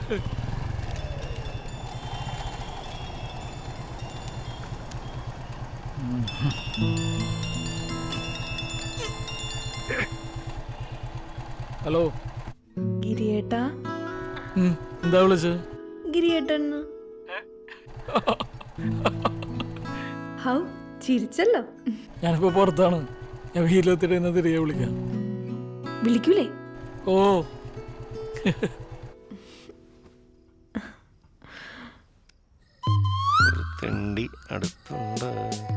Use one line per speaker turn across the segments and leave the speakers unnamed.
Hello
ഗിരിയേട്ടാ.
എന്താ വിളിച്ചത്?
ഗിരിയേട്ടൻ. ഹൗ ചിരിച്ചല്ലോ.
ഞാനിപ്പോ പുറത്താണ്. ഞാൻ വീട്ടിലെത്തിട്ട് തിരികെ വിളിക്കാം.
വിളിക്കൂലേ?
ഓ
തെണ്ടി അടുത്തുണ്ട്.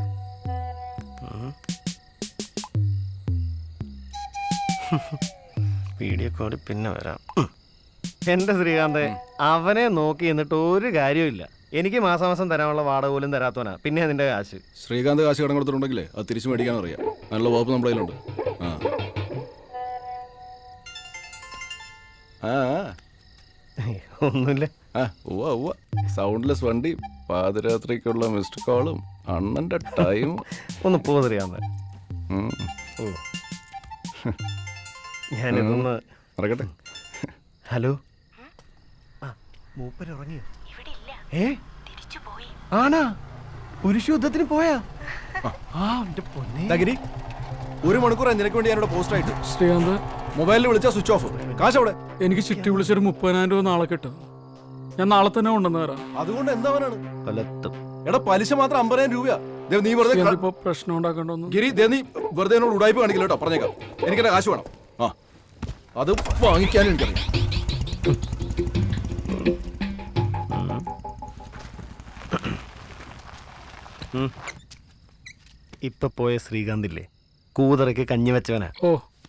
വീഡിയോ കോളിൽ പിന്നെ വരാം. എന്റെ ശ്രീകാന്ത്, അവനെ നോക്കി എന്നിട്ട് ഒരു കാര്യമില്ല. എനിക്ക് മാസം തരാനുള്ള വാടക പോലും തരാത്തവനാ. പിന്നെ അതിന്റെ കാശ്
ശ്രീകാന്ത് കാശ് കടം കൊടുത്തിട്ടുണ്ടെങ്കിലേ അത് തിരിച്ചു മേടിക്കാൻ അറിയാം. നല്ല വകുപ്പ് നമ്മുടെ കയ്യിലുണ്ട്.
ഒന്നുമില്ല.
സൗണ്ട്ലെസ് വണ്ടി, പാതിരാത്രിക്കുള്ള മിസ്ഡ് കോളും, അണ്ണന്റെ ടൈം.
ഒന്ന് പോ ശ്രീകാന്ത്. ഞാനിതൊന്ന്
മറക്കട്ടെ.
ഹലോ, മൂപ്പര് ഉറങ്ങിയോ? ആണാ? പുരുഷ യുദ്ധത്തിന് പോയാ?
ഒരു മണിക്കൂർ നിനക്ക് വേണ്ടി ഞാനിവിടെ പോസ്റ്റ് ആയിട്ട്.
ശ്രീകാന്ത്,
മൊബൈലിൽ വിളിച്ചാൽ സ്വിച്ച് ഓഫ്. കാശ് അവിടെ.
എനിക്ക് ചിട്ടി വിളിച്ചൊരു 30,000 രൂപ നാളെ കിട്ടും. ഞാൻ നാളെ തന്നെ കൊണ്ടുവന്ന് തരാം.
അതുകൊണ്ട് എന്താവാനാണ്?
കൊലത്തും.
എടാ, പലിശ മാത്രം 50,000 രൂപയാ. നീ വെറുതെ
ഇപ്പൊ പ്രശ്നം ഉണ്ടാക്കണ്ടോന്ന്.
ഗിരി, നീ വെറുതെ എന്നോട് ഉടായ്പ കാണിക്കില്ല കേട്ടോ, പറഞ്ഞേക്കാം. എനിക്കെന്റെ കാശ് വേണം. അത് വാങ്ങിക്കാനും എനിക്കറിയാം.
ഇപ്പൊ പോയ ശ്രീകാന്തില്ലേ, കൂതറയ്ക്ക് കഞ്ഞി വെച്ചവനാ.
ഓ,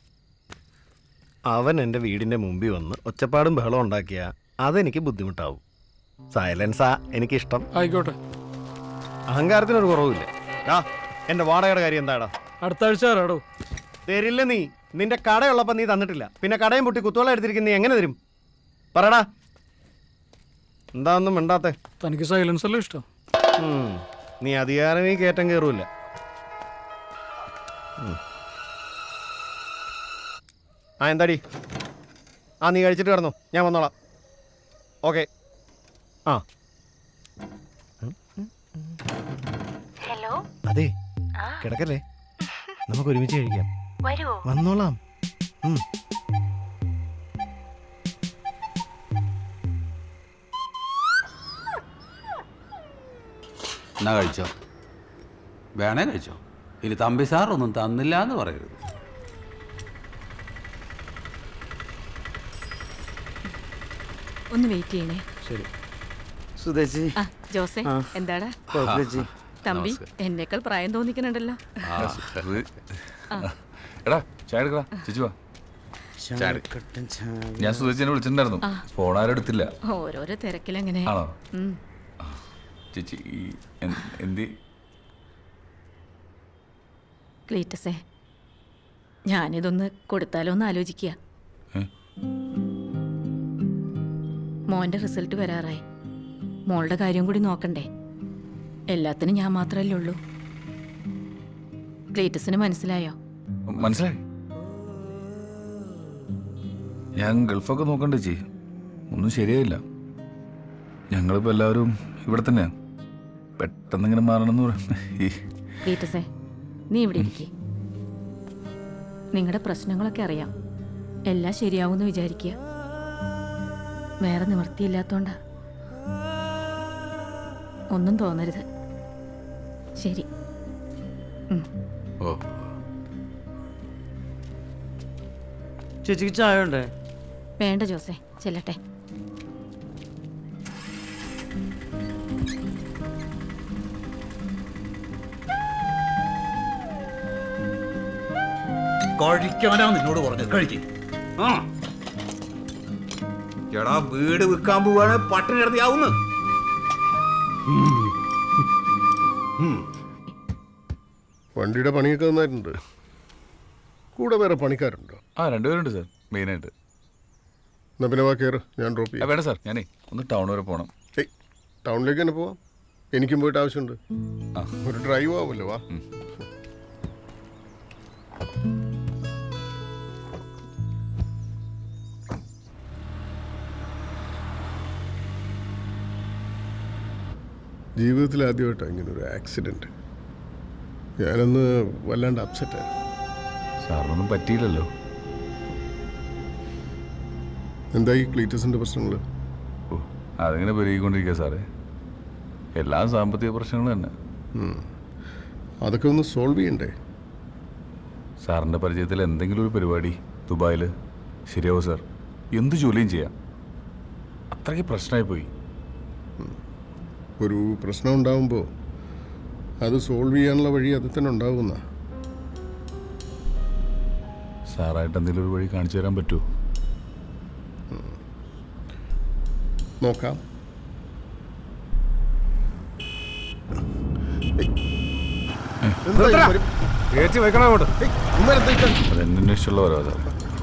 അവൻ എൻ്റെ വീടിന്റെ മുമ്പിൽ വന്ന് ഒച്ചപ്പാടും ബഹളം ഉണ്ടാക്കിയ അതെനിക്ക് ബുദ്ധിമുട്ടാവും. സൈലൻസാ എനിക്കിഷ്ടം.
ആയിക്കോട്ടെ.
അഹങ്കാരത്തിനൊരു കുറവില്ല. എന്റെ വാടകയുടെ കാര്യം എന്താടാ?
അടുത്ത ആഴ്ച തരാടോ.
തരില്ല. നീ നിന്റെ കടയുള്ളപ്പോ നീ തന്നിട്ടില്ല. പിന്നെ കടയും പൊട്ടി കുത്തോളം എടുത്തിരിക്കുന്ന നീ എങ്ങനെ തരും? പറടാ. എന്താ ഒന്നും മിണ്ടാത്തെ?
തനിക്ക് സൈലൻസ് അല്ലേ ഇഷ്ടം?
നീ അധികാരം ഈ കയറ്റം കയറൂല. എന്താടി? നീ കഴിച്ചിട്ട് കിടന്നു, ഞാൻ വന്നോളാം. ഓക്കെ.
ഹലോ.
അതെ, കിടക്കല്ലേ, നമുക്ക് ഒരുമിച്ച് കഴിക്കാം. വന്നോളാം.
എന്നാ കഴിച്ചോ, വേണേ കഴിച്ചോ. ഇനി തമ്പി സാർ ഒന്നും തന്നില്ല എന്ന് പറയരുത്.
ഒന്ന് വെയിറ്റ് ചെയ്യണേ.
ശരി. സുധേച്ചി.
ജോസേ, എന്താടാ തമ്പി? എന്നേക്കാൾ പ്രായം തോന്നിക്കുന്നുണ്ടല്ലോ.
എടാ, ചായ എടുക്കടാ. ചേച്ചി വാ. ഞാൻ സുധേച്ചിനെ വിളിച്ചിട്ടുണ്ടായിരുന്നു, ഫോൺ ആരും എടുത്തില്ല.
ഓരോരോ തിരക്കിലെങ്ങനെ.
ആണോ? ചേച്ചി എന്തി?
ക്ലീറ്റസേ, ഞാനിതൊന്ന് കൊടുത്താലോ എന്ന് ആലോചിക്കുക. മോന്റെ റിസൾട്ട് വരാറായി. മോളുടെ കാര്യം കൂടി നോക്കണ്ടേ? എല്ലാത്തിനും ഞാൻ മാത്രമല്ലേ ഉള്ളൂ. ക്ലീറ്റസിന് മനസ്സിലായോ?
മനസ്സിലായി. ഞാൻ ഗൾഫൊക്കെ നോക്കണ്ടേ ചേച്ചി, ഒന്നും ശരിയായില്ല. ഞങ്ങളിപ്പോ എല്ലാവരും ഇവിടെ തന്നെയാ. പെട്ടെന്ന് ഇങ്ങനെ മാറണമെന്ന് പറയാം.
ക്ലീറ്റസേ, നീ ഇവിടെ ഇരിക്കേ. നിങ്ങളുടെ പ്രശ്നങ്ങളൊക്കെ അറിയാം. എല്ലാം ശരിയാവുമെന്ന് വിചാരിക്കുക. വേറെ നിവൃത്തിയില്ലാത്തോണ്ടാ. ഒന്നും തോന്നരുത്. ശരി.
ചേച്ചിക്ക് ചായ ഉണ്ടേ?
വേണ്ട ജോസേ, ചെല്ലട്ടെ.
കഴിക്കാനാ നിന്നോട് പറഞ്ഞത്. കഴിക്ക്. എടാ, വീട് വിൽക്കാൻ പോവാണ്, പട്ടിണി കിടത്തിയാവുന്നു.
വണ്ടിയുടെ പണിയൊക്കെ നന്നായിട്ടുണ്ട്. കൂടെ വേറെ പണിക്കാരുണ്ടോ?
രണ്ടുപേരുണ്ട് സാർ, മെയിനായിട്ട്.
എന്നാ പിന്നെ വാ, കയറ്, ഞാൻ ഡ്രോപ്പ് ചെയ്യാം.
വേണ്ട സാർ, ഞാനേ ഒന്ന് ടൗൺ വരെ പോകണം.
ടൗണിലേക്ക് തന്നെ പോവാം. എനിക്കും പോയിട്ട് ആവശ്യമുണ്ട്. ഒരു ഡ്രൈവ് ആവുമല്ലോ. വാ. ജീവിതത്തിൽ ആദ്യമായിട്ടാണ് ഇങ്ങനെ ഒരു ആക്സിഡൻറ്റ്. ഞാനൊന്ന് വല്ലാണ്ട് അപ്സെറ്റായിരുന്നു.
സാറിനൊന്നും പറ്റിയില്ലല്ലോ.
എന്തായി ക്ലീറ്റസിൻ്റെ പ്രശ്നങ്ങൾ?
ഓ, അതിങ്ങനെ പെരുകിക്കൊണ്ടിരിക്കുക സാറേ. എല്ലാ സാമ്പത്തിക പ്രശ്നങ്ങളും തന്നെ.
അതൊക്കെ ഒന്ന് സോൾവ് ചെയ്യണ്ടേ?
സാറിൻ്റെ പരിചയത്തിൽ എന്തെങ്കിലും ഒരു പരിപാടി ദുബായിൽ ശരിയാവും സാർ. എന്ത് ജോലിയും ചെയ്യാം. അത്രയ്ക്ക് പ്രശ്നമായി പോയി.
ഒരു പ്രശ്നം ഉണ്ടാകുമ്പോൾ അത് സോൾവ് ചെയ്യാനുള്ള വഴി അത് തന്നെ ഉണ്ടാകുന്ന.
സാറായിട്ട് എന്തെങ്കിലും ഒരു വഴി കാണിച്ചു തരാൻ പറ്റുമോ?
നോക്കാം.
അതെന്നെ ഇഷ്ടമുള്ള ഓരോ സാർ.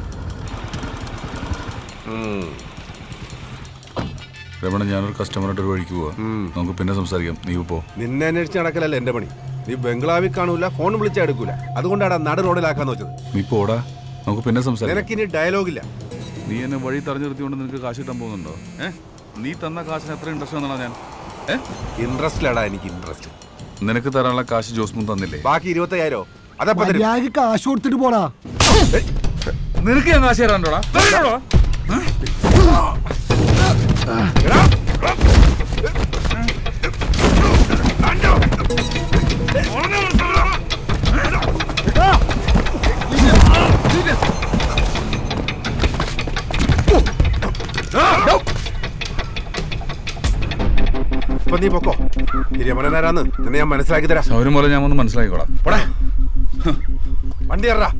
രമണ, ഞാനൊരു കസ്റ്റമറായിട്ട് ഒരു വഴിക്ക് പോവാ. നമുക്ക് പിന്നെ സംസാരിക്കാം. നീ പോ.
നിന്നെ അന്വേഷിച്ച് നടക്കലല്ല എന്റെ പണി. നീ ബംഗ്ലാവിൽ കാണൂല, ഫോൺ വിളിച്ചാൽ എടുക്കൂല. അതുകൊണ്ടാണ് നട റോഡിലാക്കാന്ന് വെച്ചത്.
നീ പോടാ, നമുക്ക് പിന്നെ സംസാരിക്കാം.
നിനക്കിനി ഡയലോഗില്ല.
നീ എന്നെ വഴി തടഞ്ഞു നിർത്തിക്കൊണ്ട് നിനക്ക് കാശ് കിട്ടാൻ പോകുന്നുണ്ടോ? നീ തന്ന കാശിന് എത്ര ഇൻട്രസ്റ്റ് വന്നാണ് ഞാൻ?
ഇൻട്രസ്റ്റിലാടാ എനിക്ക് ഇൻട്രസ്റ്റ്.
നിനക്ക് തരാനുള്ള കാശ് ജോസ്മുൻ തന്നില്ലേ?
ബാക്കി 25,000 അതപ്പോ തരും.
കാശ് കൊടുത്തിട്ട് പോടാ.
നിനക്ക് ഞാൻ കാശ് തരാണ്ടോടാ?
ഇപ്പൊ നീ പൊക്കോ. രമണനാരാന്ന് നിന്നെ ഞാൻ മനസ്സിലാക്കി തരാം.
സൗരം പോലെ ഞാൻ ഒന്ന് മനസ്സിലാക്കിക്കോളാം.
പോടാ, വണ്ടി കയറാ.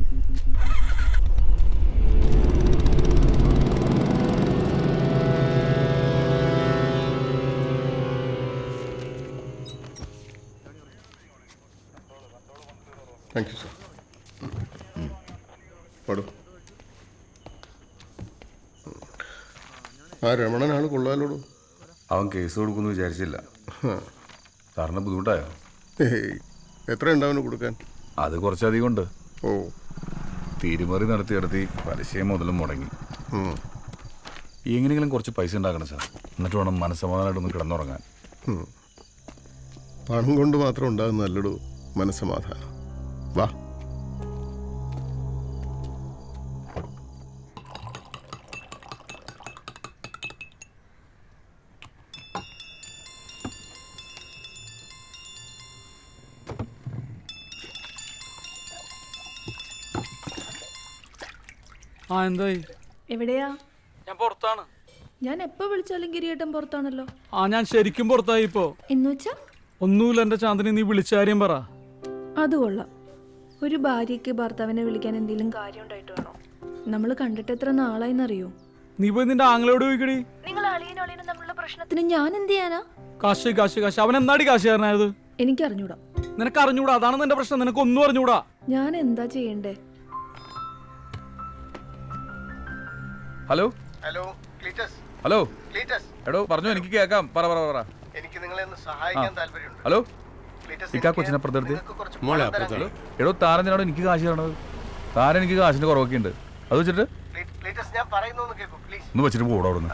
Thank you sir. പാടൂ. ആ രമണനാണ് കൊള്ളാലോടൂ.
അവൻ കേസ് കൊടുക്കുമെന്ന് വിചാരിച്ചില്ല. സാറിന് ബുദ്ധിമുട്ടായോ?
എത്ര ഉണ്ടാവുന്നു കൊടുക്കാൻ?
അത് കുറച്ചധികം ഉണ്ട്.
ഓ,
തീരുമറി നടത്തി പലിശയും മുതലും മുടങ്ങി. എങ്ങനെയെങ്കിലും കുറച്ച് പൈസ ഉണ്ടാക്കണം സാർ. എന്നിട്ട് വേണം മനസ്സമാധാനമായിട്ടൊന്ന് കിടന്നുറങ്ങാൻ.
പണം കൊണ്ട് മാത്രം ഉണ്ടാകുന്ന നല്ലൊരു മനസ്സമാധാനം. വാ.
ആ, എന്തായി?
എവിടെയാ?
ഞാൻ പുറത്താണ്.
ഞാൻ എപ്പോ വിളിച്ചാലും ഗിരിയേട്ടൻ പുറത്താണല്ലോ.
ആ, ഞാൻ ശരിക്കും പുറത്തായി ഇപ്പോ.
എന്നുവെച്ചാ?
ഒന്നുമില്ല എൻ്റെ ചാന്ദിനി, നീ വിളിച്ച കാര്യം പറ.
അത് കൊള്ളാം. ഒരു ഭാര്യയ്ക്ക് ഭർത്താവിനെ വിളിക്കാൻ എന്തെങ്കിലും കാര്യം ഉണ്ടായിട്ട് വേണോ? നമ്മൾ കണ്ടിട്ട് എത്ര നാളായിന്നറിയോ?
നീ പോയി നിന്റെ ആങ്ങളോട് ചോദിക്കടി.
നിങ്ങൾ അളിയനും തമ്മിലുള്ള പ്രശ്നത്തിന് ഞാൻ എന്ത് ചെയ്യാനാ?
കാശ് കാശ് കാശ്. അവൻ എന്നാടി കാശുകാരനായത്?
എനിക്ക് അറിഞ്ഞൂടാ.
നിനക്ക് അറിഞ്ഞൂടാ, അതാണ് നിന്റെ പ്രശ്നം. നിനക്ക് ഒന്നും അറിഞ്ഞൂടാ.
ഞാൻ എന്താ ചെയ്യണ്ടേ?
Hello
hello Cletus.
Hello
Cletus.
എടോ പറഞ്ഞു, എനിക്ക് കേൾക്കാം. പറ.
എനിക്ക് നിങ്ങളെ ഒന്ന് സഹായിക്കാൻ താല്പര്യമുണ്ട്.
ഹലോ,
ക്ലീറ്റസ്,
ഇക്കാ കൊച്ചിനപ്പുറത്തെടുത്ത്.
നിങ്ങൾക്ക് കുറച്ച് പണം തരാൻ കഴിയും?
എടോ, താരനാണോ എനിക്ക് കാശ് തരണത്? താരൻ എനിക്ക് കാശിന്റെ കുറവൊക്കെ ഉണ്ട്. അത് വെച്ചിട്ട്
ക്ലീറ്റസ്, ഞാൻ പറയുന്നൊന്ന് കേൾക്കൂ പ്ലീസ്.
ഒന്ന് വെച്ചിട്ട് പോടാ അവിടുന്ന്.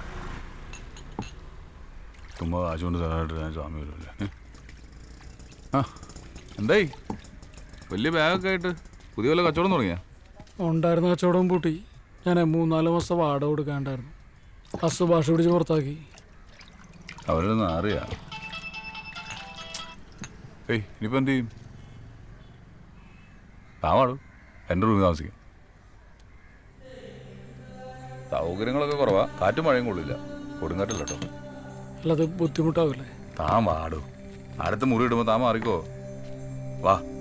ചുമ്മാ കാശ് കൊണ്ട് തരാനായിട്ട് ഞാൻ സ്വാമി വരുമല്ലേ. ആ, എന്തായി? വലിയ ബാഗൊക്കെ ആയിട്ട് പുതിയ വല്ല കച്ചവടം തുടങ്ങിയാ?
ഉണ്ടായിരുന്ന കച്ചവടം പൂട്ടി. ഞാൻ 3-4 മാസം വാടക കൊടുക്കാണ്ടായിരുന്നു. ഹസ് ഭാഷ പിടിച്ച് പുറത്താക്കി.
അവരൊന്നും അറിയാ. ഇനിയിപ്പോൾ എന്ത് ചെയ്യും? താവാടും എൻ്റെ റൂമിൽ താമസിക്കും. സൗകര്യങ്ങളൊക്കെ കുറവാ. കാറ്റും മഴയും കൊള്ളില്ല. കൊടുങ്കാറ്റല്ല കേട്ടോ.
അല്ലാതെ ബുദ്ധിമുട്ടാവില്ലേ?
താൻ വാടും. അടുത്ത മുറി ഇടുമ്പോൾ താൻ മാറിക്കോ. വാ.